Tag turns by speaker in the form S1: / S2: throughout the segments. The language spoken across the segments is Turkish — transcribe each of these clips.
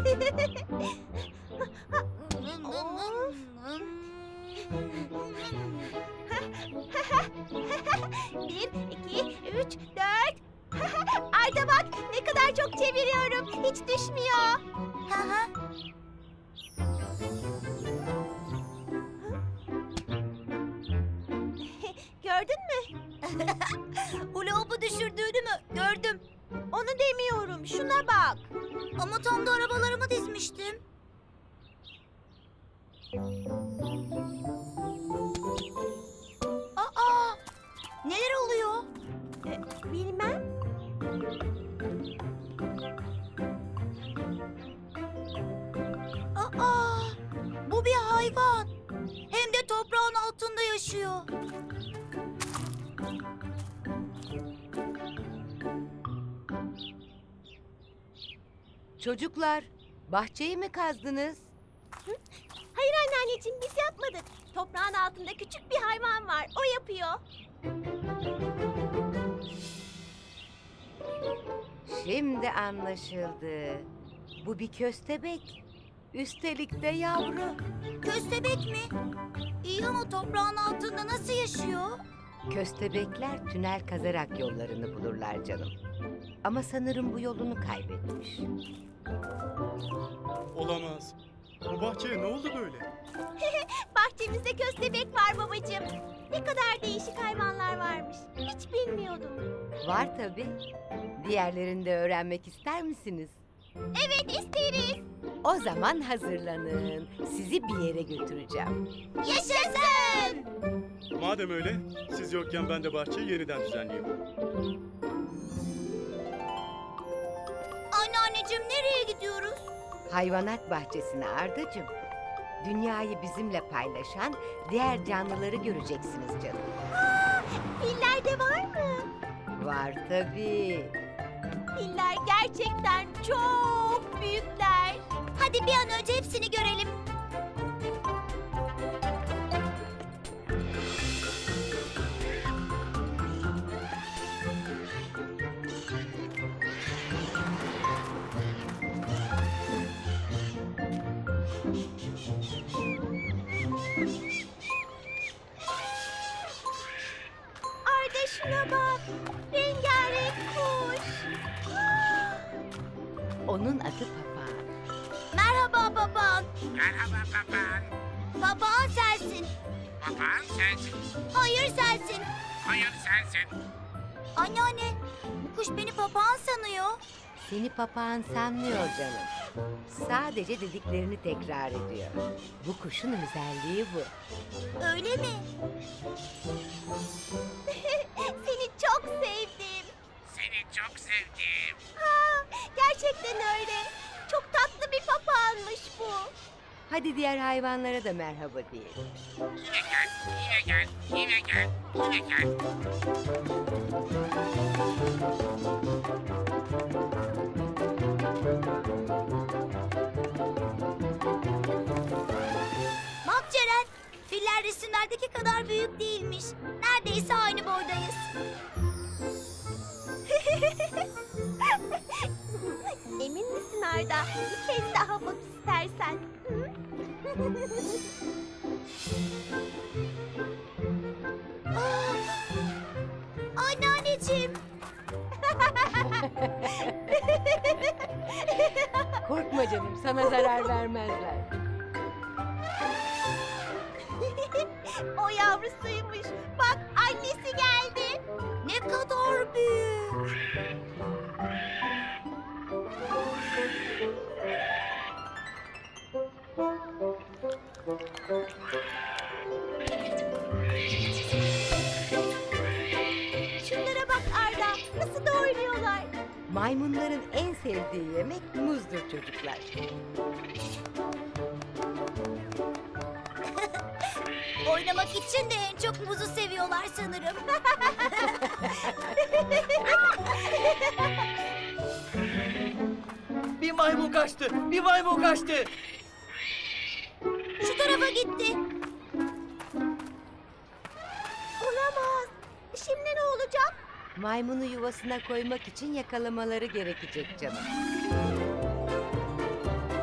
S1: Bir, iki, üç, dört. Arda bak ne kadar çok çeviriyorum. Hiç düşmüyor. Gördün mü?
S2: Hula düşürdüğünü mü? Gördüm.
S1: Onu demiyorum. Şuna bak.
S2: Ama tam da arabalarımı dizmiştim. Aa! Neler oluyor?
S1: Bilmem.
S2: Aa! Bu bir hayvan. Hem de toprağın altında yaşıyor.
S3: Çocuklar, bahçeyi mi kazdınız?
S1: Hayır anneanneciğim biz yapmadık. Toprağın altında küçük bir hayvan var. O yapıyor.
S3: Şimdi anlaşıldı. Bu bir köstebek. Üstelik de yavru.
S2: Köstebek mi? İyi ama toprağın altında nasıl yaşıyor?
S3: Köstebekler tünel kazarak yollarını bulurlar canım. Ama sanırım bu yolunu kaybetmiş.
S4: Olamaz. Bu bahçeye ne oldu böyle?
S1: Bahçemizde köstebek var babacığım. Ne kadar değişik hayvanlar varmış. Hiç bilmiyordum.
S3: Var tabii. Diğerlerini de öğrenmek ister misiniz?
S1: Evet isteriz.
S3: O zaman hazırlanın. Sizi bir yere götüreceğim.
S1: Yaşasın.
S4: Madem öyle, siz yokken ben de bahçeyi yeniden düzenleyeyim.
S2: Anneanneciğim nereye gidiyoruz?
S3: Hayvanat bahçesine Ardacığım. Dünyayı bizimle paylaşan diğer canlıları göreceksiniz canım.
S1: Filler de var mı?
S3: Var tabii.
S1: Filler gerçekten çok büyükler.
S2: Hadi bir an önce hepsini görelim.
S1: Arda şuna bak. Rengarenk kuş.
S3: Onun adı papağan.
S2: Merhaba baban.
S5: Merhaba papağan.
S2: Papağan sensin.
S5: Papağan sensin.
S2: Hayır sensin.
S5: Hayır sensin.
S2: Anneanne, bu kuş beni papağan sanıyor.
S3: Seni papağan sanmıyor canım. Sadece dediklerini tekrar ediyor. Bu kuşun özelliği bu.
S2: Öyle mi?
S1: Seni çok sevdim.
S5: Seni çok sevdim.
S1: Ha, gerçekten öyle. Çok tatlı bir papağanmış bu.
S3: Hadi diğer hayvanlara da merhaba diyelim.
S5: Yine gel, yine gel, yine gel, yine gel.
S2: Bak Ceren, filler resimlerdeki kadar büyük değilmiş. Neredeyse aynı boydayız.
S1: Emin misin Arda? Bir kez daha bak istersen. Hı?
S2: Anneanneciğim.
S3: Korkma canım, sana zarar vermezler.
S1: O yavrusuymuş. Bak annesi geldi.
S2: Ne kadar büyük.
S1: Şunlara bak Arda. Nasıl da oynuyorlar.
S3: Maymunların en sevdiği yemek muzdur çocuklar.
S2: Oynamak için de en çok muzu seviyorlar sanırım.
S6: Bir maymun kaçtı. Bir maymun kaçtı.
S2: Şu tarafa gitti.
S1: Olamaz. Şimdi ne olacak?
S3: Maymunu yuvasına koymak için yakalamaları gerekecek canım.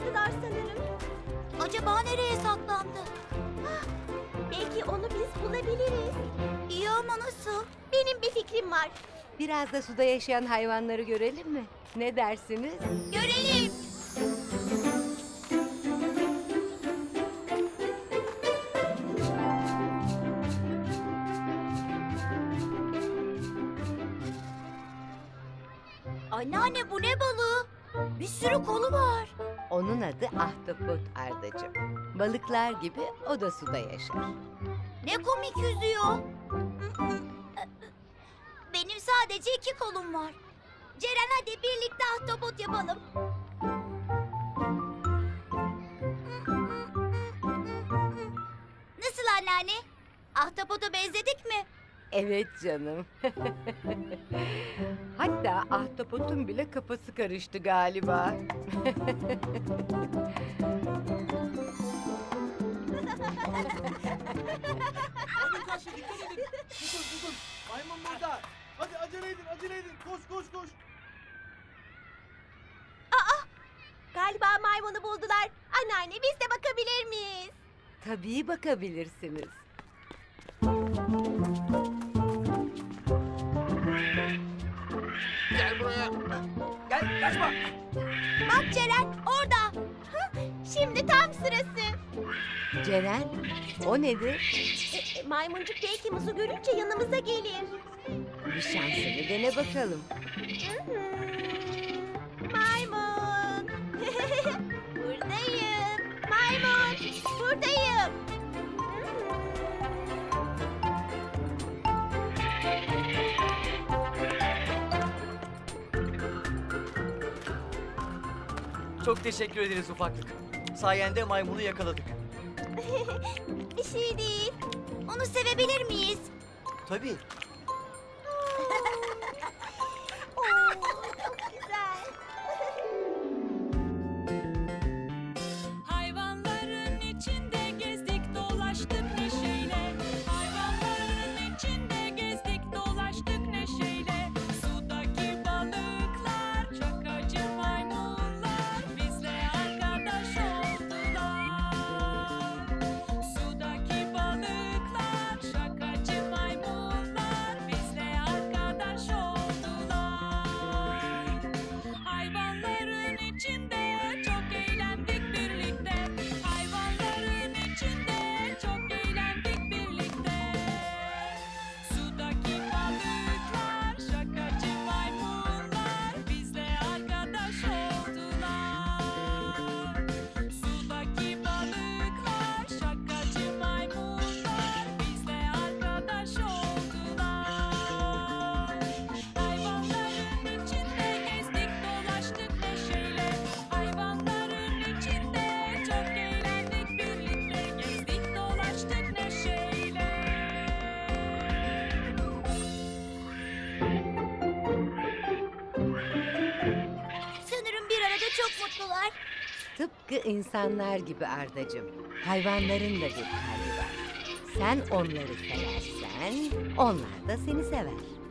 S1: kayboldular sanırım.
S2: Acaba nereye saklandı?
S1: Belki onu biz bulabiliriz.
S2: İyi ama nasıl?
S1: Benim bir fikrim var.
S3: Biraz da suda yaşayan hayvanları görelim mi? Ne dersiniz?
S2: Görelim. Anneanne bu ne balığı? Bir sürü kolu var.
S3: Onun adı ahtapot Ardacığım. Balıklar gibi o da suda yaşar.
S2: Ne komik yüzüyor. Benim sadece 2 kolum var. Ceren hadi birlikte ahtapot yapalım. Nasıl anneanne? Ahtapota benzedik mi?
S3: Evet canım. Hatta ahtapotun bile kafası karıştı galiba.
S6: Hadi karşı dikkat edin. Tutun. Maymun burada. Hadi acele edin. Koş.
S1: Galiba maymunu buldular. Anneanne biz de bakabilir miyiz?
S3: Tabii bakabilirsiniz.
S5: Gel buraya.
S6: Gel kaçma.
S2: Bak Ceren orada.
S1: Şimdi tam sırası.
S3: Ceren, o nedir?
S1: Maymuncuk belki muzu görünce yanımıza gelir.
S3: Bir şansını dene bakalım.
S1: Maymun. Buradayım. Maymun. Buradayım.
S6: Çok teşekkür ederiz ufaklık. Sayende maymunu yakaladık.
S1: Bir şey değil.
S2: Onu sevebilir miyiz?
S6: Tabii.
S1: Oo, çok güzel.
S7: Hayvanların içinde gezdik dolaştık neşeyle. Hayvanların içinde gezdik dolaştık neşeyle. Sudaki balıklar, şakacı maymunlar bizle arkadaş oldular. Sudaki balıklar, şakacı maymunlar bizle arkadaş oldular. Hayvanların içinde çok eğlendik birlikte. Hayvanların içinde çok eğlendik birlikte. Sudaki balıklar, şakacı maymunlar bizle arkadaş oldular. Sudaki balıklar, şakacı maymunlar bizle arkadaş oldular. Hayvanların içinde gezdik dolaştık neşeyle. Hayvanların içinde çok eğlendik birlikte. Gezdik dolaştık neşeyle.
S2: Sanırım bir arada çok mutlular.
S3: Tıpkı insanlar gibi Ardacığım. Hayvanların da bir kalbi var. Sen onları seversen, onlar da seni sever.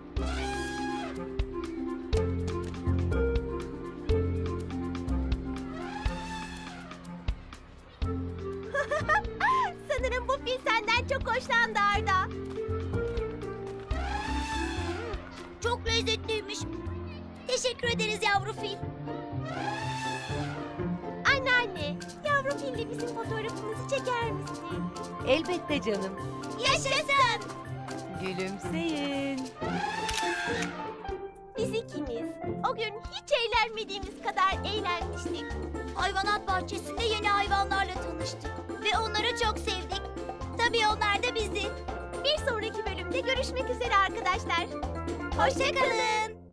S1: Sanırım bu fil senden çok hoşlandı Arda.
S2: Çok lezzetliymiş. Teşekkür ederiz yavru fil.
S1: Anneanne, yavru fille bizim fotoğrafımızı çeker misin?
S3: Elbette canım.
S2: Yaşasın.
S3: Gülümseyin.
S1: Biz ikimiz o gün hiç eğlenmediğimiz kadar eğlenmiştik.
S2: Hayvanat bahçesinde yeni hayvanlarla tanıştık. Ve onları çok sevdik. Tabii onlar da bizi.
S1: Bir sonraki bölümde görüşmek üzere arkadaşlar.
S2: Hoşça kalın.